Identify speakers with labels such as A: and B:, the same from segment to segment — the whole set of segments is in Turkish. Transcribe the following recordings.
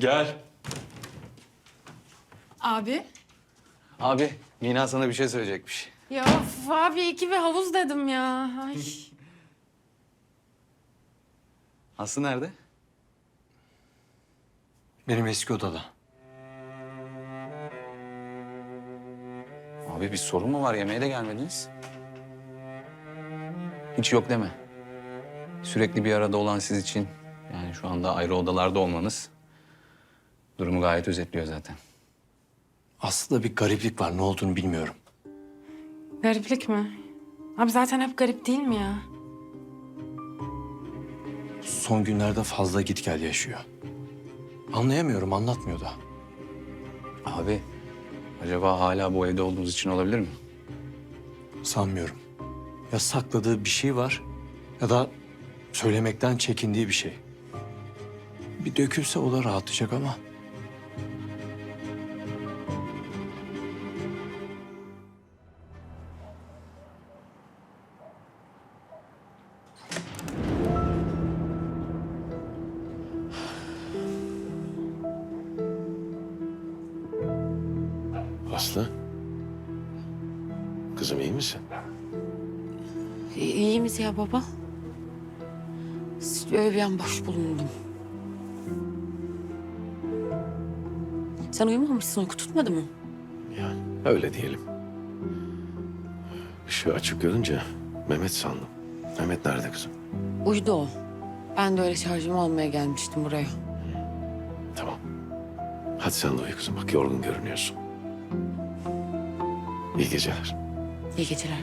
A: Gel.
B: Abi.
A: Abi, Mina sana bir şey söyleyecekmiş.
B: Ya of, abi iki bir havuz dedim ya. Ay.
A: Aslı nerede?
C: Benim eski odada.
A: Abi bir sorun mu var? Yemeğe de gelmediniz. Hiç yok deme. Sürekli bir arada olan siz için, yani şu anda ayrı odalarda olmanız durumu gayet özetliyor zaten.
C: Aslında bir gariplik var. Ne olduğunu bilmiyorum.
B: Gariplik mi? Abi zaten hep garip değil mi ya?
C: Son günlerde fazla git gel yaşıyor. Anlayamıyorum, anlatmıyor da.
A: Abi, acaba hala bu evde olduğunuz için olabilir mi?
C: Sanmıyorum. Ya sakladığı bir şey var ya da söylemekten çekindiği bir şey. Bir dökülse o da rahatlayacak ama.
D: Aslı. Kızım iyi misin?
E: İyi misin ya baba? Öyle bir an boş bulundum. Sen uyumamışsın, uyku tutmadı mı?
D: Yani öyle diyelim. Işığı açık görünce Mehmet sandım. Mehmet nerede kızım?
E: Uyudu o. Ben de öyle şarjımı almaya gelmiştim buraya.
D: Tamam. Hadi sen de uyu kızım. Bak yorgun görünüyorsun. İyi geceler.
E: İyi geceler.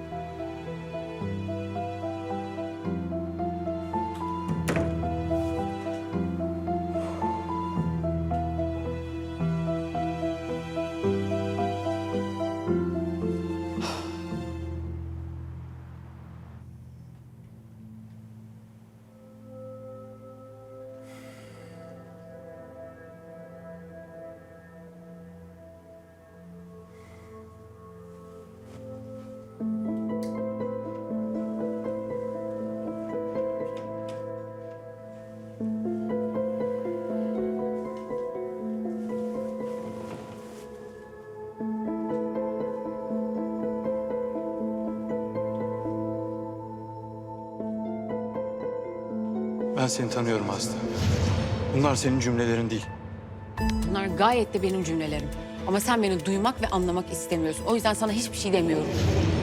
C: Ben seni tanıyorum Aslı. Bunlar senin cümlelerin değil.
E: Bunlar gayet de benim cümlelerim. Ama sen beni duymak ve anlamak istemiyorsun. O yüzden sana hiçbir şey demiyorum.